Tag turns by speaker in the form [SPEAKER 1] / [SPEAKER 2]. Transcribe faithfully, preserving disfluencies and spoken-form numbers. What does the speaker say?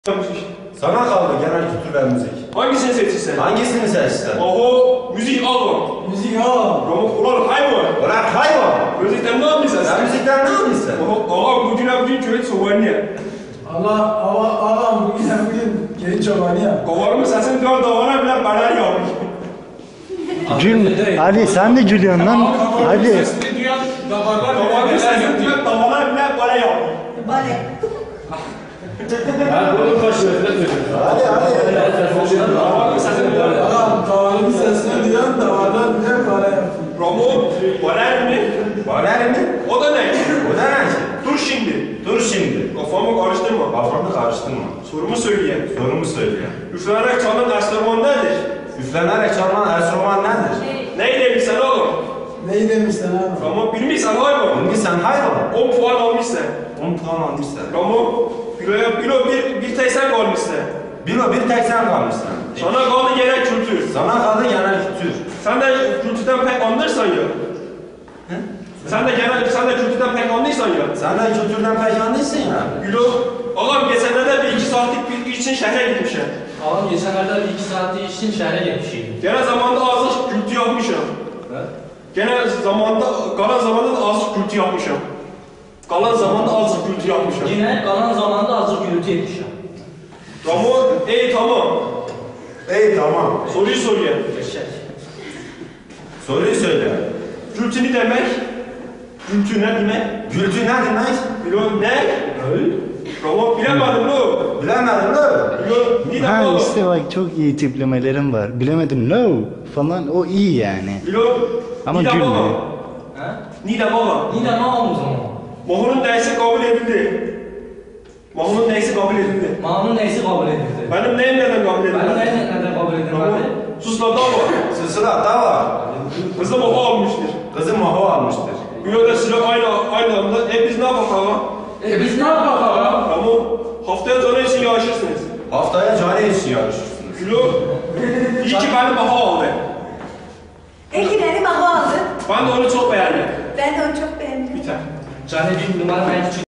[SPEAKER 1] Sana kaldı genel kültür ve müzik.
[SPEAKER 2] Hangisini seçirsen?
[SPEAKER 1] Hangisini seçtin?
[SPEAKER 2] Oho, müzik al bak.
[SPEAKER 3] Müzik al.
[SPEAKER 2] Ramon ulan hayvan.
[SPEAKER 1] Ulan hayvan!
[SPEAKER 2] Müzikten ne yapıyorsun
[SPEAKER 1] Sen
[SPEAKER 2] sen?
[SPEAKER 1] müzikten ne yapıyorsun?
[SPEAKER 2] Oho, ağam bugün bugün köy çobanı ya.
[SPEAKER 3] Allah, Allah, ağam bugün bugün genç çobanı ya.
[SPEAKER 2] Kovarımı sesin dört davana bile bana yapmış.
[SPEAKER 4] Gül, Ali sen de gülüyorsun lan. Ali.
[SPEAKER 2] Sesini duyan davarlar Kovarımı sesin dört davana bile bana yapmış.
[SPEAKER 5] Bale.
[SPEAKER 1] Hadi hadi.
[SPEAKER 2] Kovarımı sesin dört
[SPEAKER 3] Ağam kavalımın sesini duyan da varlar bile para yapıyor.
[SPEAKER 2] Ramon, bana mi?
[SPEAKER 1] Baler mi?
[SPEAKER 2] O da ne?
[SPEAKER 1] O da ne?
[SPEAKER 2] Dur şimdi.
[SPEAKER 1] Dur şimdi.
[SPEAKER 2] Kafamı karıştırma.
[SPEAKER 1] Kafamı karıştırma.
[SPEAKER 2] Sorumu söyleyeyim.
[SPEAKER 1] Sorumu söyle.
[SPEAKER 2] Üflenerek çalan enstrüman nedir?
[SPEAKER 1] Üflenerek çalınan enstrüman nedir?
[SPEAKER 2] Neyi demişsen oğlum?
[SPEAKER 3] Neyi demişsin ağam?
[SPEAKER 2] Ramon bilmişsen hayvan.
[SPEAKER 1] Bilgi sen hayvan.
[SPEAKER 2] on puan almışsın.
[SPEAKER 1] on puan almışsın.
[SPEAKER 2] Ramon, biloya bilo bir, bir tek sen kalmışsın.
[SPEAKER 1] Bir o bir tek sen kalmışsın.
[SPEAKER 2] Sana kaldı genel kültür.
[SPEAKER 1] Sana kaldı genel kültür.
[SPEAKER 2] Sen de kültürden pek anlarsan ya.
[SPEAKER 1] He?
[SPEAKER 2] Sen de genel, sen de kültürden pek anlıyorsan ya.
[SPEAKER 1] Sen de kültürden pek anlıyorsun ya.
[SPEAKER 2] Bilo, ağam geçenlerde bir iki saatlik bir için şehre gitmişim.
[SPEAKER 6] Ağam geçenlerde bir iki saatlik için şehre gelmişim.
[SPEAKER 2] Gene zamanda azıcık kültü yapmışım. Gene zamanda, kalan zamanda da azıcık kültü yapmışım. Kalan zamanda azıcık kültü yapmışım.
[SPEAKER 6] Yine kalan zamanda azıcık gürültü etmişim.
[SPEAKER 2] Ramon, ey tamam.
[SPEAKER 1] İyi tamam.
[SPEAKER 2] Soruyu soruyor.
[SPEAKER 6] Eşek.
[SPEAKER 1] Soruyu söyle.
[SPEAKER 2] Kültü ne demek? Kültü ne demek?
[SPEAKER 1] Kültür ne demek?
[SPEAKER 2] Bilo ne? Ramon bilemedim lo.
[SPEAKER 1] Bilemedim lo.
[SPEAKER 2] Bilo ne
[SPEAKER 4] Ha
[SPEAKER 2] demek?
[SPEAKER 4] işte bak çok iyi tiplemelerim var. Bilemedim no falan o iyi yani.
[SPEAKER 2] Bilo
[SPEAKER 4] Ama
[SPEAKER 2] Nida
[SPEAKER 4] gülmüyor.
[SPEAKER 2] baba.
[SPEAKER 6] He?
[SPEAKER 2] Nida baba.
[SPEAKER 6] Yine ne ağam o zaman?
[SPEAKER 2] Mahunun neyse kabul edildi. Mahunun neyse kabul edildi.
[SPEAKER 6] Mağanın neyse kabul edildi.
[SPEAKER 2] Benim neyim neden kabul edildi?
[SPEAKER 6] Benim neyse neden kabul
[SPEAKER 2] Ramon
[SPEAKER 6] edilmedi?
[SPEAKER 2] sus lan dava.
[SPEAKER 1] Sısıra da var.
[SPEAKER 2] Kızı maho almıştır.
[SPEAKER 1] Kızı maho almıştır.
[SPEAKER 2] Bilo da silah aynı aynı anda. E biz ne yapalım?
[SPEAKER 6] E biz ne yapalım ağam?
[SPEAKER 2] Ramon haftaya canı için yarışırsınız.
[SPEAKER 1] Haftaya cari için yarışırsınız.
[SPEAKER 2] Bilo iyi ki beni maho aldı.
[SPEAKER 5] Ekinleri baba aldı.
[SPEAKER 2] Ben de onu çok beğendim.
[SPEAKER 5] Ben de onu çok beğendim.
[SPEAKER 2] Biter.
[SPEAKER 6] Canı bir numara ben küçük.